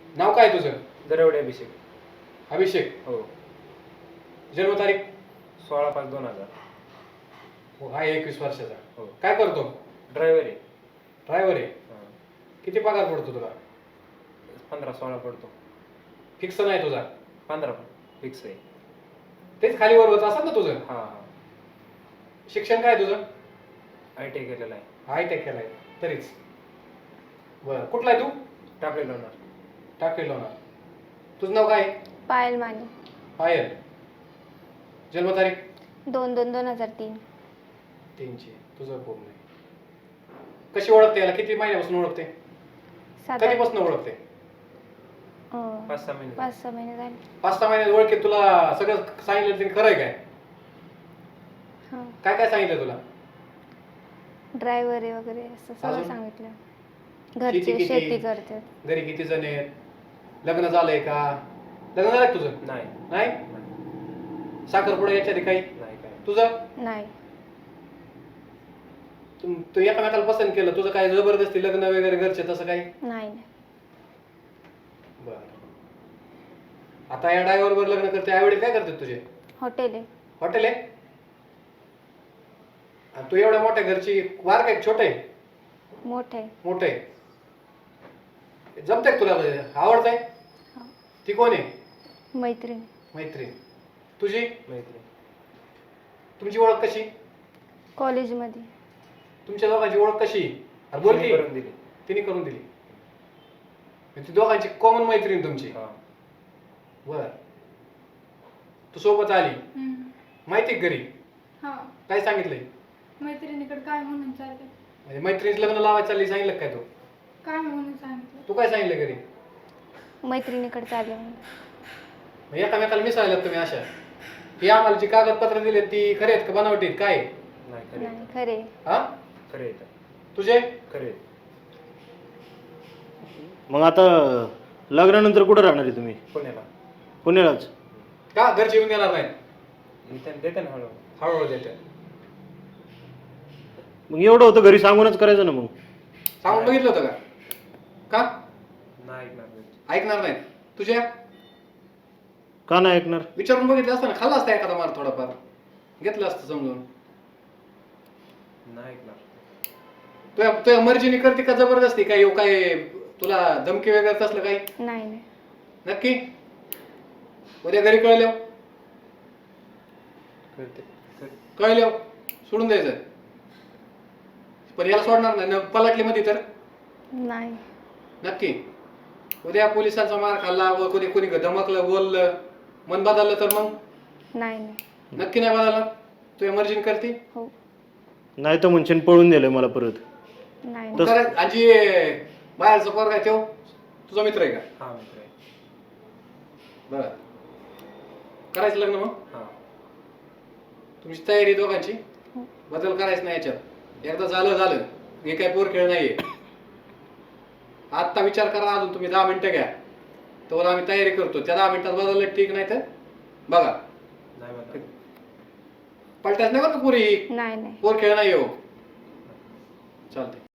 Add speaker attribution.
Speaker 1: नाव काय तुझं?
Speaker 2: दरवडे अभिषेक.
Speaker 1: अभिषेक.
Speaker 2: हो.
Speaker 1: जन्मतारीख?
Speaker 2: 16/5/2000.
Speaker 1: हो, आहे 21 वर्षाचा.
Speaker 2: हो.
Speaker 1: काय करतो?
Speaker 2: ड्रायव्हर आहे.
Speaker 1: ड्रायव्हर आहे.
Speaker 2: हां.
Speaker 1: किती पगार पडतो तुला?
Speaker 2: 15-16 पडतो.
Speaker 1: फिक्स नाही तुझा?
Speaker 2: 15 फिक्स आहे.
Speaker 1: तेच खाली वर होत असेल ना तुझं?
Speaker 2: हां.
Speaker 1: शिक्षण काय तुझं?
Speaker 2: ITI केलेला आहे.
Speaker 1: हायटेक केलाय तरीच. बरं, कुठला आहे तू?
Speaker 2: टाकले लोणार.
Speaker 1: टाकेल होणार. तुझं नाव काय?
Speaker 3: पायल माने.
Speaker 1: पायल. जन्मतारीख?
Speaker 3: 2/2/2003.
Speaker 1: 3ची. तुझं पूर्ण आहे. कशी ओळखते याला? किती महिन्यापासून ओळखते? कधीपासून ओळखते?
Speaker 2: 5-6 महिने.
Speaker 3: 5-6 महिने झाले.
Speaker 1: 5-6 महिन्यात ओळखीत तुला सगळं सांगितलं तिने, खरं आहे काय?
Speaker 3: हां.
Speaker 1: काय काय सांगितलं तुला?
Speaker 3: ड्रायव्हर आहे वगैरे असं सगळं
Speaker 1: अजून?
Speaker 3: सांगितलं.
Speaker 1: शेती
Speaker 3: घरचे
Speaker 1: किती?
Speaker 3: शेती करतात.
Speaker 1: घरी किती जण आहेत? लग्न झालंय का? लग्न झालंय तुझं?
Speaker 2: नाही.
Speaker 1: नाही. साखरपुडा याच्या आधी काही?
Speaker 2: नाही काय.
Speaker 1: तुझं?
Speaker 3: नाही.
Speaker 1: तू एकामेकाला पसंत केलं, तुझं काय जबरदस्ती लग्न वगैरे घरचे तसं काही?
Speaker 3: नाही.
Speaker 1: बरं. आता या ड्रायव्हर वर लग्न करते, आईवडील काय करतात तुझे?
Speaker 3: हॉटेल आहे.
Speaker 1: हॉटेल आहे? आणि तू एवढ्या मोठ्या घरची वार काय छोट आहे?
Speaker 3: मोठं आहे.
Speaker 1: मोठं आहे. जमतंय का तुला? आवडतंय?
Speaker 3: हां.
Speaker 1: ती कोण आहे?
Speaker 3: मैत्रीण.
Speaker 1: मैत्रीण. तुझी?
Speaker 2: मैत्री.
Speaker 1: तुमची ओळख कशी?
Speaker 3: कॉलेजमध्ये.
Speaker 1: तुमच्या दोघांची ओळख कशी? अरे बोल की.
Speaker 2: करून दिली.
Speaker 1: तिने करून दिली. ती दोघांची कॉमन मैत्रीण तुमची?
Speaker 2: हां.
Speaker 1: बर. तू सोबत आली, माहिती का घरी?
Speaker 4: हा.
Speaker 1: काय सांगितलंय?
Speaker 4: मैत्रिणीकडे काय म्हणून चाललंय?
Speaker 1: म्हणजे मैत्रिणीचं लग्न लावायचं चालली, सांगितलं काय तू?
Speaker 4: काय म्हणून सांगितलं?
Speaker 1: तू काय सांगितलं घरी?
Speaker 3: मैत्रिणीकडे चालले म्हणून.
Speaker 1: मग एकामेकाला मिसळल्यात तुम्ही अशा? ही आम्हाला जी कागदपत्र दिली ती खरे आहेत का बनावटी आहेत? काय आहे?
Speaker 2: नाही खरे.
Speaker 3: नाही खरे.
Speaker 1: हा?
Speaker 2: खरे येतं.
Speaker 1: तुझे?
Speaker 2: खरे.
Speaker 5: मग आता लग्नानंतर कुठं राहणार आहे तुम्ही?
Speaker 2: पुण्याला.
Speaker 5: पुण्यालाच?
Speaker 1: का घरचे येऊन देणार नाही?
Speaker 2: इथं देते ना हळूहळू.
Speaker 1: हळूहळू देते.
Speaker 5: मग एवढं होतं घरी सांगूनच करायचं ना मग.
Speaker 1: सांगून बघितलं होतं का? का
Speaker 2: नाही ऐकणार घरचे.
Speaker 1: ऐकणार नाहीत? तुझ्या
Speaker 5: का नाही ऐकणार?
Speaker 1: विचारून बघितलं असतं ना, खाल्ला असता एखादा मार थोडाफार, घेतलं असतं समजून.
Speaker 2: नाही ऐकणार.
Speaker 1: तुझ्या तुझ्या मर्जीने करते का जबरदस्ती? काय येऊ काय तुला धमकी वगैरे असलं काही?
Speaker 3: नाही. नाही.
Speaker 1: नक्की? उद्या घरी कळल्या
Speaker 2: करते.
Speaker 1: कळल्या सोडून द्यायचं. पण याला सोडणार नाही ना पलटली मध्ये तर?
Speaker 3: नाही.
Speaker 1: नक्की? उद्या पोलिसांचा मार खाल्ला व कोणी कोणी धमकलं बोललं, मन बदललं तर मग?
Speaker 3: नाही. नाही.
Speaker 1: नक्की नाही बदललं? तुझ्या मर्जीने करते?
Speaker 3: हो.
Speaker 5: नाही तर म्हणशील पळून दिलं मला परत.
Speaker 3: नाही.
Speaker 5: तस-
Speaker 1: आजी बाहेरचा पोरगा आहे तो तुझा मित्र आहे का?
Speaker 2: हां मित्र आहे.
Speaker 1: बरं. करायचं लग्न मग?
Speaker 2: हां.
Speaker 1: तुमची तयारी दोघांची?
Speaker 3: हो.
Speaker 1: बदल करायचं नाही याच्यात. एकदा झालं हे काय पोर खेळ नाहीये. आत्ता विचार करा, अजून तुम्ही 10 मिनिटं घ्या, तर आम्ही तयारी करतो. त्या 10 मिनिटात बदललं ठीक, नाही तर बघा.
Speaker 2: नाही बदल.
Speaker 1: पलटायचं नाही बरं का पुरी.
Speaker 3: नाही.
Speaker 1: पोर खेळ नाही हो. चालतंय.